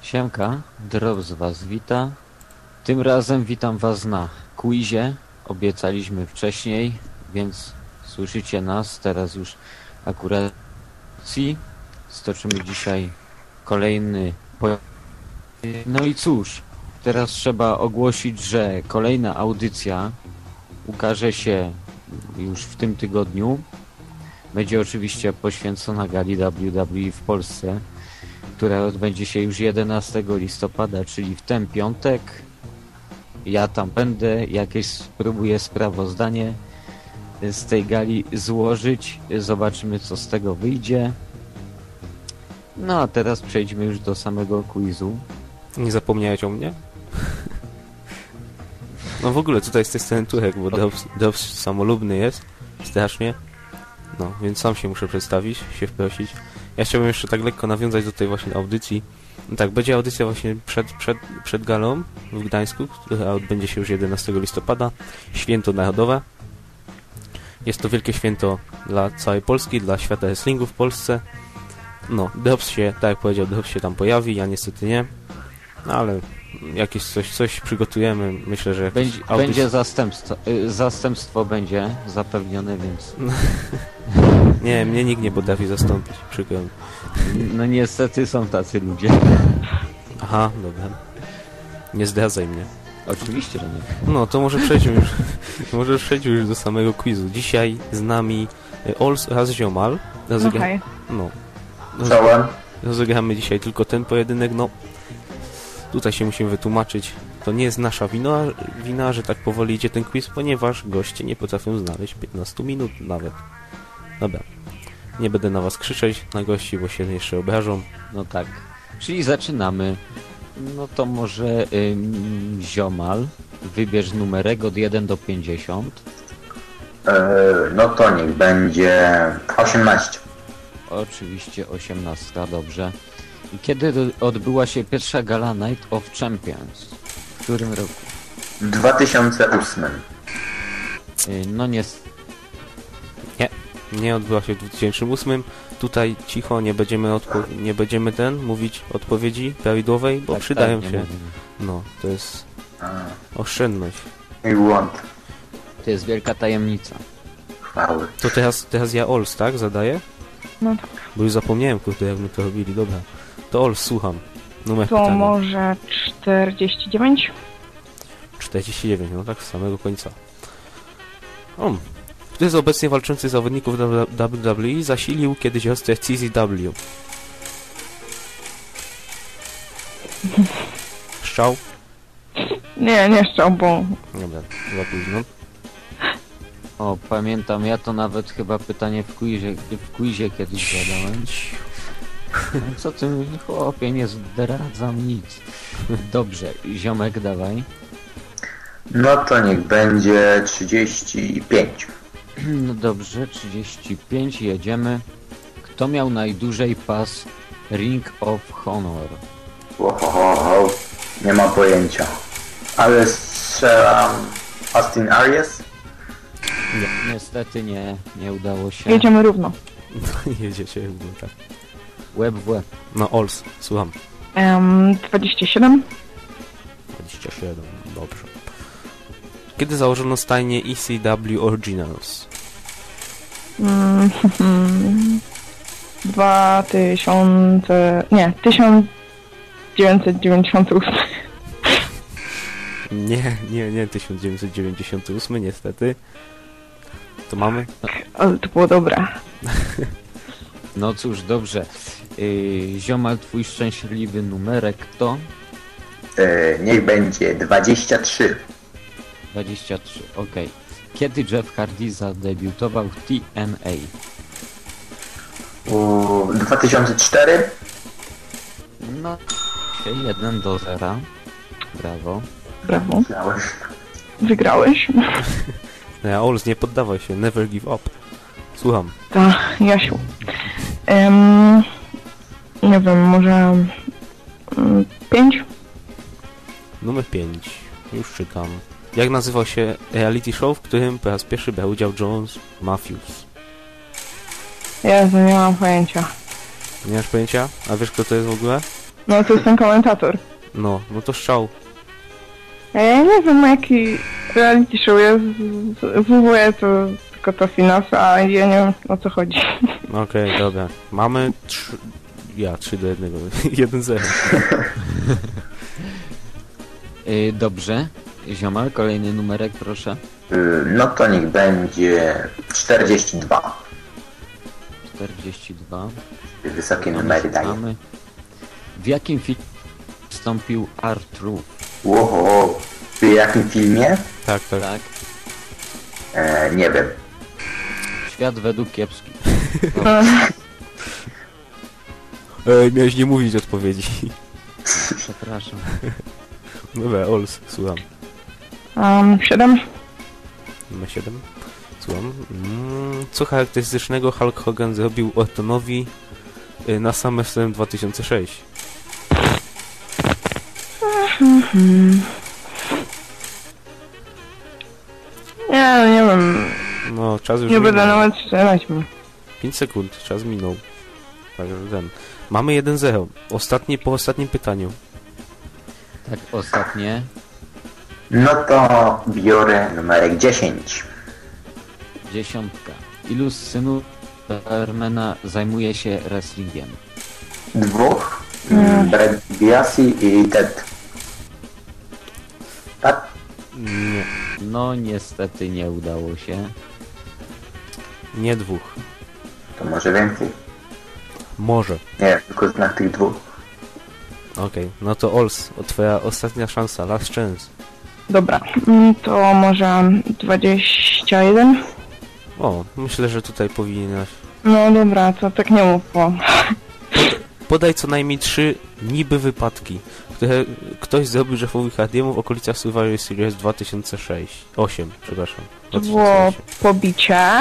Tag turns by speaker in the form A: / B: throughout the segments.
A: Siemka, Drops was wita. Tym razem witam was na quizie. Obiecaliśmy wcześniej, więc słyszycie nas teraz już akurat. Stoczymy dzisiaj kolejny No i cóż, teraz trzeba ogłosić, że kolejna audycja ukaże się już w tym tygodniu. Będzie oczywiście poświęcona gali WWE w Polsce, która odbędzie się już 11 listopada, czyli w ten piątek. Ja tam będę, jakieś spróbuję sprawozdanie z tej gali złożyć. Zobaczymy, co z tego wyjdzie. No a teraz przejdźmy już do samego quizu.
B: Nie zapomniałeś o mnie? No w ogóle tutaj z tej strony Turek, bo Dobbs samolubny jest. Strasznie. No, więc sam się muszę przedstawić, się wprosić. Ja chciałbym jeszcze tak lekko nawiązać do tej właśnie audycji. No tak, będzie audycja właśnie przed galą w Gdańsku, która odbędzie się już 11 listopada. Święto Narodowe. Jest to wielkie święto dla całej Polski, dla świata wrestlingu w Polsce. No, Dobbs się, tak jak powiedział, Dobbs się tam pojawi, ja niestety nie. No ale jakieś coś przygotujemy, myślę, że...
A: Będzie zastępstwo będzie zapewnione, więc...
B: Nie, mnie nikt nie potrafi zastąpić, przykro mi.
A: No niestety są tacy ludzie.
B: Aha, dobra. Nie zdradzaj mnie.
A: Oczywiście, że nie.
B: No, to może przejdźmy już do samego quizu. Dzisiaj z nami Ols oraz Ziomal.
C: Okej.
B: No.
D: Czołem.
B: Rozegramy dzisiaj tylko ten pojedynek, no... Tutaj się musimy wytłumaczyć. To nie jest nasza wina, że tak powoli idzie ten quiz, ponieważ goście nie potrafią znaleźć 15 minut nawet. Dobra. Nie będę na was krzyczeć, na gości, bo się jeszcze obrażą.
A: No tak. Czyli zaczynamy. No to może Ziomal, wybierz numerek od 1 do 50.
D: No to niech będzie 18.
A: Oczywiście 18, dobrze. I kiedy odbyła się pierwsza gala Night of Champions? W którym roku?
D: W 2008.
A: No nie...
B: Nie odbyła się w 2008. Tutaj cicho, nie będziemy mówić odpowiedzi prawidłowej, bo
A: tak,
B: przydają
A: tak,
B: się.
A: mówimy.
B: No, to jest oszczędność.
D: I błąd.
A: To jest wielka tajemnica.
D: Chwały.
B: To teraz ja Ols, tak? Zadaję?
C: No tak.
B: Bo już zapomniałem, kurde, jak my to robili. Dobra. To Ols, słucham. Numer
C: To
B: pytania.
C: może 49?
B: 49, no tak, z samego końca. Który z obecnie walczących zawodników WWE zasilił kiedyś siostrę CZW? Szczał?
C: Nie szczał, bo...
B: Dobra, za późno.
A: O, pamiętam, ja to nawet chyba pytanie w quizie kiedyś zadałem. Co ty, chłopie, nie zdradzam nic. Dobrze, ziomek, dawaj.
D: No to niech będzie 35.
A: No dobrze, 35, jedziemy. Kto miał najdłużej pas Ring of Honor?
D: Ohoho, nie ma pojęcia. Ale strzelam Austin Aries?
A: Nie, niestety nie udało się.
C: Jedziemy równo.
B: Jedziecie, no tak.
A: Łeb w łeb.
B: No, Ols, słucham.
C: 27?
B: 27, dobrze. Kiedy założono stajnię ECW Originals?
C: 1998.
B: Nie 1998, niestety. To mamy?
C: Ale to było dobre.
A: No cóż, dobrze. Ziomal, twój szczęśliwy numerek to?
D: Niech będzie 23.
A: 23, okej. Kiedy Jeff Hardy zadebiutował w TNA?
D: 2004?
A: No, 1-0. Brawo.
C: Brawo.
D: Znałeś.
C: Wygrałeś.
B: No, Ols, nie poddawaj się, never give up. Słucham.
C: Tak, Jasiu. Nie wiem, może... 5?
B: Numer 5. Już czytam. Jak nazywał się reality show, w którym po raz pierwszy brał udział Jones Matthews?
C: Jezu, nie mam pojęcia.
B: Nie masz pojęcia? A wiesz, kto to jest w ogóle?
C: No to jest ten komentator.
B: No to strzał.
C: A ja nie wiem jaki reality show jest. WWE to tylko to finans, a ja nie wiem o co chodzi.
B: Okej, dobra. Mamy 3-1. 1-0.
A: Dobrze. Ziomal, kolejny numerek, proszę.
D: No to niech będzie 42.
A: 42.
D: Wysokie numery daję.
A: Mamy. W jakim filmie wystąpił Arthur?
D: Łoho, w jakim filmie?
B: Tak.
A: Tak.
D: Nie wiem.
A: Świat według kiepskich.
B: Miałeś nie mówić odpowiedzi.
A: Przepraszam.
B: Dobra, Ols, słucham.
C: 7.
B: Numer 7. Słucham. Co charakterystycznego Hulk Hogan zrobił Ortonowi na SummerSlam 2006?
C: Nie wiem.
B: No, czas już
C: Nie będę
B: minął.
C: nawet strzelać mu.
B: 5 sekund, czas minął. Także ten. Mamy 1-0. Po ostatnim pytaniu.
A: Tak, ostatnie.
D: No to biorę numerek 10.
A: 10. Ilu z synów Supermana zajmuje się wrestlingiem?
D: 2. Brad Biasi i Ted. Tak?
B: Nie.
A: No niestety nie udało się.
B: Nie 2.
D: To może więcej.
B: Może.
D: Nie, tylko znak tych 2.
B: Okej. No to Ols, twoja ostatnia szansa. Last chance.
C: Dobra, to może 21?
B: O, myślę, że tutaj powinieneś...
C: No dobra, to tak nie mów, bo...
B: Podaj co najmniej 3 niby wypadki, które ktoś zrobił Jeffowi Hardiemu w okolicach Survivor Series 8, przepraszam.
C: To
B: 2008.
C: było pobicie,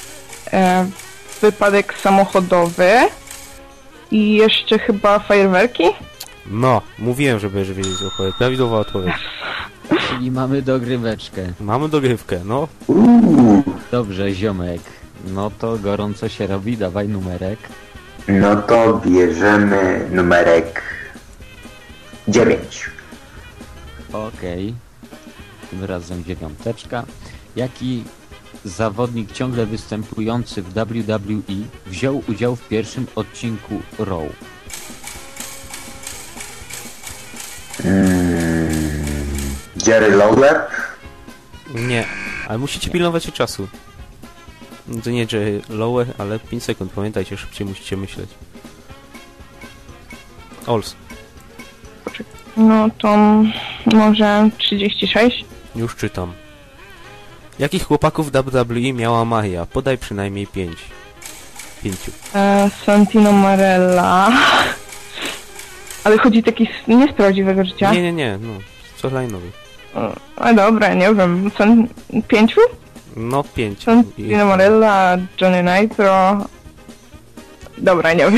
C: wypadek samochodowy i jeszcze chyba fajerwerki?
B: No, mówiłem, że będziesz wiedzieć o prawidłowa odpowiedź.
A: Czyli mamy dogryweczkę.
B: Mamy dogrywkę, no.
A: Dobrze, ziomek. No to gorąco się robi, dawaj numerek.
D: No to bierzemy numerek 9.
A: Okej. Tym razem 9. Jaki zawodnik ciągle występujący w WWE wziął udział w pierwszym odcinku Raw?
D: Jerry Lawler?
B: Nie, ale musicie pilnować się czasu. To nie Jerry Lower, ale 5 sekund, pamiętajcie, szybciej musicie myśleć. Ols,
C: No to może 36?
B: już czytam. Jakich chłopaków WWE miała Maria? Podaj przynajmniej 5. 5.
C: Santino Marella. Ale chodzi taki nie z prawdziwego życia?
B: Nie, no, co lajnowy.
C: A dobra, nie wiem, 5?
B: No 5.
C: Santino Marella, Johnny Nitro... Dobra, nie wiem.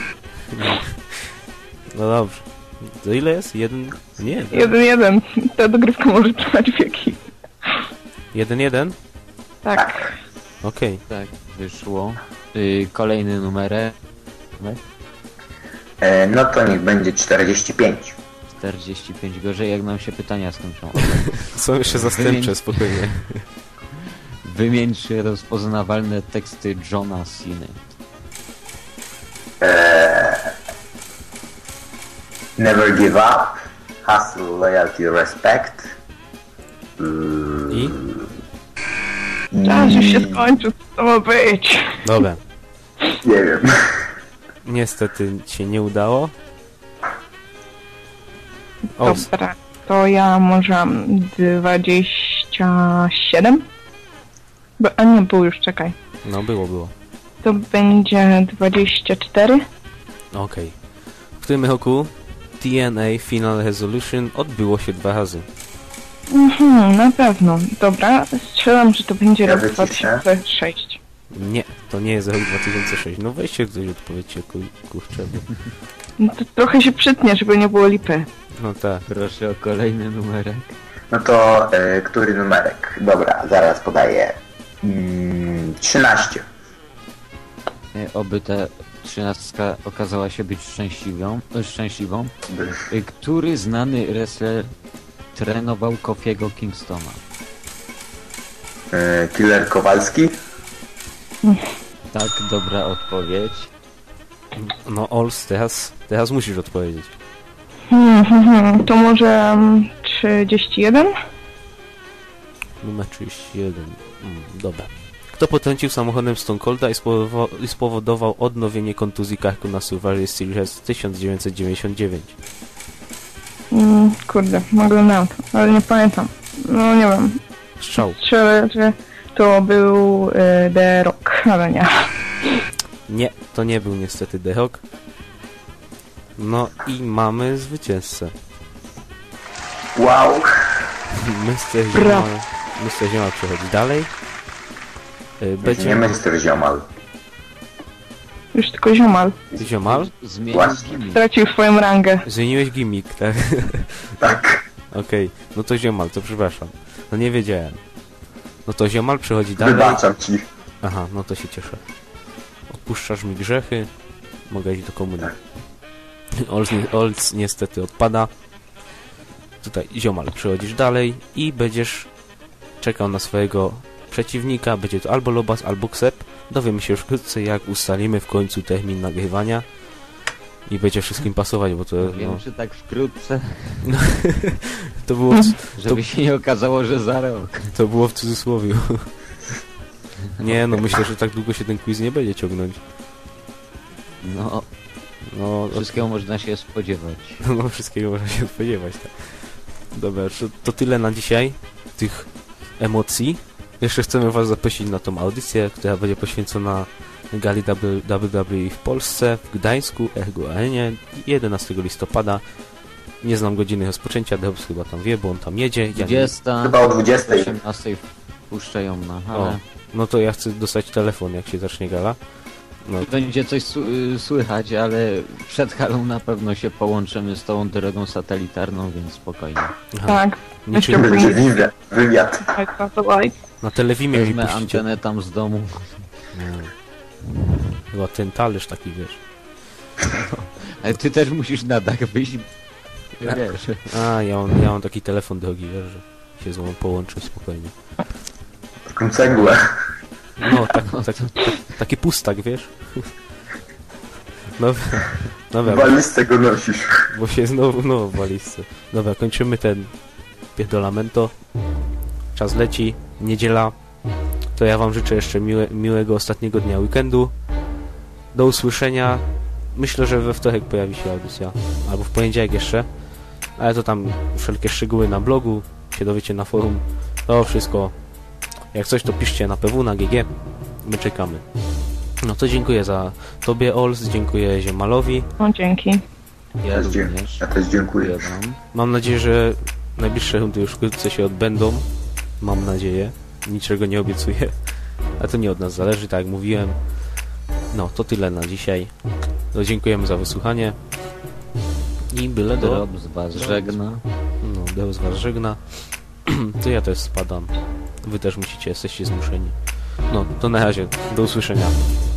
B: No dobrze. To ile jest? 1? Nie.
C: 1-1. Ta dogrywka może trwać wieki.
B: 1-1?
C: Tak.
B: Okej.
A: Tak, wyszło. Kolejny numerek.
D: No to niech będzie 45.
A: 45. Gorzej jak nam się pytania skończą.
B: Są jeszcze zastępcze, spokojnie.
A: Wymień 3 rozpoznawalne teksty Johna Cena.
D: Never give up. Hustle, loyalty, respect.
B: I?
C: Czas już się skończył, co to ma być?
B: Dobra.
D: Nie wiem.
B: Niestety się nie udało. Ols.
C: Dobra, to ja może 27? A nie, był już, czekaj.
B: No było.
C: To będzie 24?
B: Okej. W którym roku TNA Final Resolution odbyło się 2 razy?
C: Na pewno. Dobra, strzelam, że to będzie
D: Ja
C: rok
D: wyciszę.
C: 2006.
B: Nie, to nie jest rok 2006. No weźcie ktoś odpowiedzcie, kurczę. Bo...
C: No to trochę się przytnie, żeby nie było lipy.
B: No tak.
A: Proszę o kolejny numerek.
D: No to który numerek? Dobra, zaraz podaję. 13.
A: Oby te 13 okazała się być szczęśliwą. Który znany wrestler trenował Kofiego Kingstona?
D: Killer Kowalski?
A: Tak, dobra odpowiedź.
B: No Ols, teraz musisz odpowiedzieć.
C: To może 31?
B: Numer 31. Dobra. Kto potrącił samochodem Stone Colda i spowodował odnowienie kontuzji karku na Survivor Series 1999?
C: Kurde, oglądałem to, ale nie pamiętam. No nie wiem.
B: Strzał.
C: Strzelę, że to był The Rock, ale nie.
B: Nie, to nie był niestety The Rock. No i mamy zwycięzcę.
D: Wow.
B: Mr. Ziomal przechodzi dalej.
D: Nie Mr. Ziomal.
C: Już tylko ziomal.
B: Ziomal?
A: Zmienił
D: Właśnie.
A: gimmick.
C: Stracił swoją rangę.
B: Zmieniłeś gimmick, tak?
D: Tak.
B: Okej, no to Ziomal, to przepraszam. No nie wiedziałem. No to Ziomal przechodzi dalej.
D: Wybaczam ci.
B: Aha, no to się cieszę. Odpuszczasz mi grzechy. Mogę iść do komunii. Olc niestety odpada. Tutaj Ziomal, przechodzisz dalej i będziesz czekał na swojego przeciwnika. Będzie to albo Lobas, albo Ksep. Dowiemy się już wkrótce, jak ustalimy w końcu termin nagrywania. I będzie wszystkim pasować, bo to...
A: Wiem,
B: No,
A: czy tak wkrótce,
B: to było...
A: żeby się nie okazało, że za rok.
B: To było w cudzysłowie. Nie, no myślę, że tak długo się ten quiz nie będzie ciągnąć.
A: No,
B: No,
A: wszystkiego można się spodziewać.
B: no wszystkiego można się spodziewać. Tak. Dobra, to tyle na dzisiaj. Tych emocji. Jeszcze chcemy was zaprosić na tą audycję, która będzie poświęcona gali WWE w Polsce, w Gdańsku, Ergo Arenie 11 listopada. Nie znam godziny rozpoczęcia, Debs chyba tam wie, bo on tam jedzie. Ja nie...
A: 20,
D: Chyba o 20.
A: 18 puszczają na halę.
B: No to ja chcę dostać telefon, jak się zacznie gala. No,
A: Będzie coś słychać, ale przed halą na pewno się połączymy z tą drogą satelitarną, więc spokojnie.
B: aha.
C: Tak.
B: Niczym
D: Będzie wywiad.
B: na telewimie mi
A: Weźmę
B: puścicie.
A: antenę tam z domu.
B: Nie. Chyba ten talerz taki, wiesz.
A: Ale ty też musisz na dach wyjść. Wiesz.
B: A, ja mam taki telefon drogi, wiesz, że się z mną połączy spokojnie.
D: Taką cegłę.
B: No, taki pustak, wiesz. No, dobra,
D: Walizce go nosisz.
B: bo się znowu, no, w walizce. Dobra, kończymy ten pierdolamento. Czas leci, niedziela. To ja wam życzę jeszcze miłego ostatniego dnia weekendu. Do usłyszenia. Myślę, że we wtorek pojawi się audycja. Albo w poniedziałek jeszcze. Ale to tam wszelkie szczegóły na blogu. Się dowiecie na forum. To wszystko. Jak coś, to piszcie na PW, na GG. My czekamy. No to dziękuję za tobie, Ols. Dziękuję Ziemalowi.
C: No dzięki.
A: Ja również.
D: Ja też dziękuję.
A: Wam.
B: Mam nadzieję, że najbliższe rundy już wkrótce się odbędą. Mam nadzieję. Niczego nie obiecuję. A to nie od nas zależy, tak jak mówiłem. No, to tyle na dzisiaj. No, dziękujemy za wysłuchanie. I byle do...
A: Drop z was żegna.
B: No, Deus was żegna. To ja też spadam. Wy też jesteście zmuszeni. No, to na razie. Do usłyszenia.